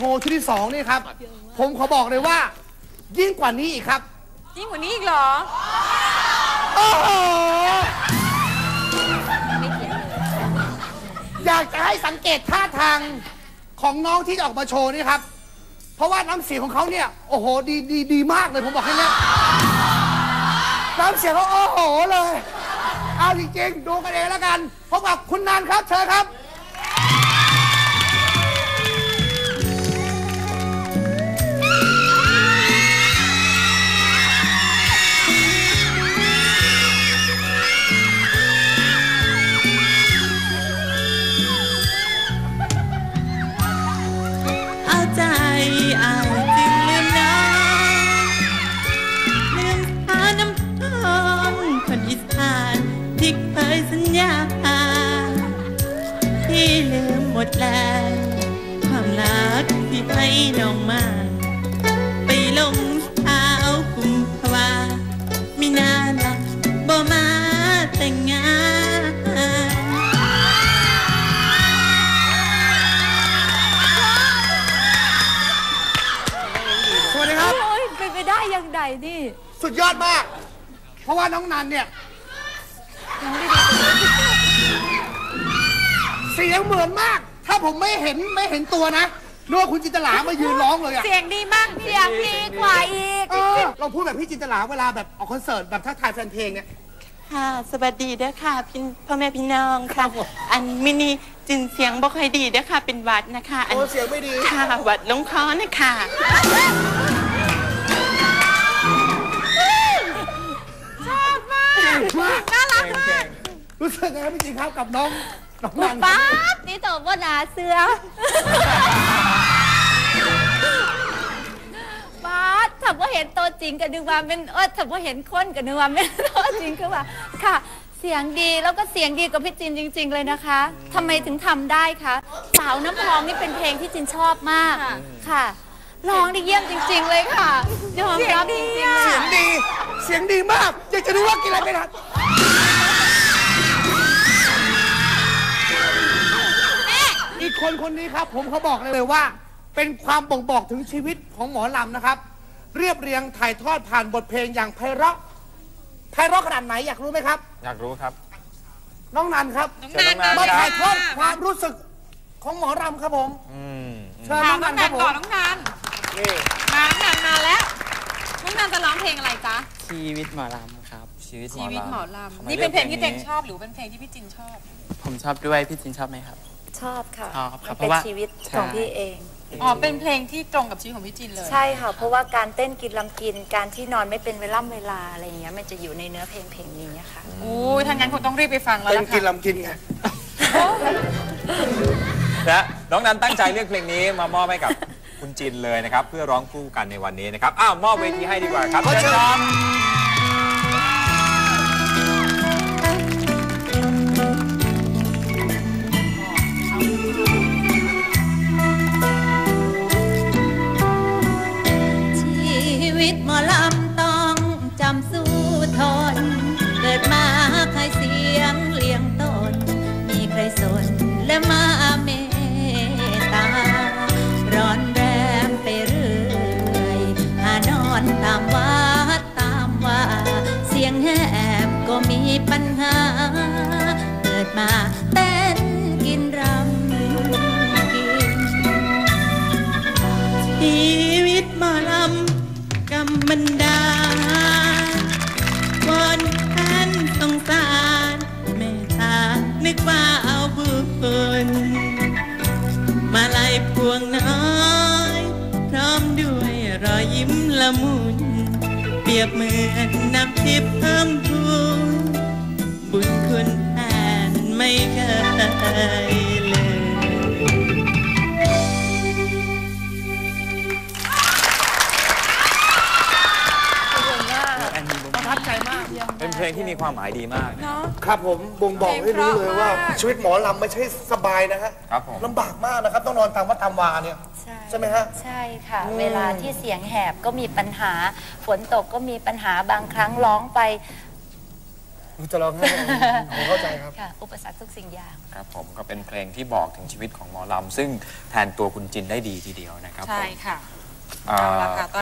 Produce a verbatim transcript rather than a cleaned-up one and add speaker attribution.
Speaker 1: ว์ชุดที่สองนี่ครับผมขอบอกเลยว่ายิ่งกว่านี้อีกครับ
Speaker 2: ยิ่งกว่านี้อีกเหรอ
Speaker 1: โอ้โหอยากจะให้สังเกตท่าทางของน้องที่จะออกมาโชว์นี่ครับเพราะว่าน้ำเสียงของเขาเนี่ยโอ้โหดีดีดีมากเลยผมบอกให้เนี่ยน้ำเสียงเขาโอ้โหเลยเอาจริงๆดูกันเองแล้วกันพบกับคุณนันครับเชิญครับ
Speaker 3: ที่ลืมหมดแล้วความรักที่ให้น้องมาไปลงเท้ากุมภาวามีนานละบ่มาแต่งงาน
Speaker 1: สวัสดีครับ
Speaker 2: เป็นไปได้ยังไงนี่
Speaker 1: สุดยอดมากเพราะว่าน้องนันเนี่ยเสียงเหมือนมากถ้าผมไม่เห็นไม่เห็นตัวนะนึกว่าคุณจินตลามายืนร้องเลยอะ
Speaker 2: เสียงดีมากเสียงดีกว่าอีก
Speaker 1: เราพูดแบบพี่จินตลาเวลาแบบออกคอนเสิร์ตแบบทักทายแฟนเพลงเนี่ย
Speaker 3: ค่ะสวัสดีเด้อค่ะพี่พ่อแม่พี่น้องค่ะอันมินิจินเสียงบ่ค่อยดีเด้อค่ะเป็นหวัดนะคะ
Speaker 1: อันเสียงไม่ดี
Speaker 3: ค่ะหวัดลงคอนะคะ
Speaker 2: ชอบมากน่ารักมาก
Speaker 1: รู้สึกไงครับพี่จินครับกับน้องน้องนัน
Speaker 2: ป๊าบนี่ตอบว่าหนาเสือป๊าบถ้าว่าเห็นตัวจริงกันนึกว่าเป็นเออถ้าว่าเห็นคนกันนึกว่าเป็นตัวจริงคือว่าค่ะเสียงดีแล้วก็เสียงดีกว่าพี่จินจริงๆเลยนะคะทำไมถึงทำได้คะสาวน้ำพองนี่เป็นเพลงที่จินชอบมากค่ะร้องได้เยี่ยมจริงๆเลยค่ะยอมรับจริงๆ
Speaker 1: เสียงดีเสียงดีมากอยากจะรู้ว่ากินอะไรไปนะอีกคนคนนี้ครับผมเขาบอกเลยว่าเป็นความบ่งบอกถึงชีวิตของหมอลำนะครับเรียบเรียงถ่ายทอดผ่านบทเพลงอย่างไพเราะไพเราะขนาดไหนอยากรู้ไหมครับ
Speaker 4: อยากรู้ครับ
Speaker 1: น้องนันครับมาถ่ายทอดความรู้สึกของหมอลำครับผม
Speaker 2: เชิญน้องนันก่อนน้องนันนี่มาน้องนันมาแล้วน้องนันจะร้องเพลงอะไรจ๊ะ
Speaker 5: ชีวิตหมอลำครับ
Speaker 4: ชีวิต
Speaker 2: หมอลำนี่เป็นเพลงที่เต็งชอบหรือเป็นเพลงที่พี่จินชอบ
Speaker 5: ผมชอบด้วยพี่จินชอบไหมครับ
Speaker 6: ชอบค่ะ
Speaker 5: ชอบครับ
Speaker 6: เพราะว่าชีวิตของพี่เอง
Speaker 2: อ๋อเป็นเพลงที่ตรงกับชีวิตของพี่จินเลย
Speaker 6: ใช่ค่ะเพราะว่าการเต้นกินลำกินการที่นอนไม่เป็นเวลาเวลาอะไรอย่างเงี้ยมันจะอยู่ในเนื้อเพลงเพลงนี้ค่ะ
Speaker 2: โอ้ยถ้างั้นคงต้องรีบไปฟังแล้วล่ะค่ะ
Speaker 1: เต้นกินลำกินไง
Speaker 4: และน้องนันตั้งใจเลือกเพลงนี้มามอบให้กับคุณจินเลยนะครับเพื่อร้องคู่กันในวันนี้นะครับอ้าวมอบเวทีให้ดีกว่าครับเชิญครับ
Speaker 3: หมอลำต้องจำสู้ทนเกิดมาใครเสียงเลี้ยงตนมีใครสนและมาเมตตาร้อนแรมไปเรื่อยหานอนตามวัดตามว่าเสียงแหบก็มีปัญหาเกิดมาเต้นกินรำกินชีวิตหมอลำกำมันดาวอนท่านสงสารเมตตานึกว่าเอาบุญมาลัยพวงน้อยพร้อมด้วยรอยยิ้มละมุนเปรียบเหมือนน้ำทิพย์เพิ่มพูนบุญคุณแทนไม่เคยเลย
Speaker 1: ประทับใจมาก
Speaker 4: เป็นเพลงที่มีความหมายดีมาก
Speaker 1: ครับผมบ่งบอกให้รู้เลยว่าชีวิตหมอลำไม่ใช่สบายนะฮะลำบากมากนะครับต้องนอนตามวัดตามวาเนี่ยใช่ไหมฮะ
Speaker 6: ใช่ค่ะเวลาที่เสียงแหบก็มีปัญหาฝนตกก็มีปัญหาบางครั้งร้องไป
Speaker 1: จะร้องไห้ผมเข้าใจครับ
Speaker 6: ค่ะ อุปสรรคทุกสิ่งอย่าง
Speaker 4: ครับผมก็เป็นเพลงที่บอกถึงชีวิตของหมอลำซึ่งแทนตัวคุณจินได้ดีทีเดียวนะครับ
Speaker 7: ใช่
Speaker 4: ผม
Speaker 7: ค่ะ
Speaker 4: อ่า
Speaker 7: เอาละค่ะ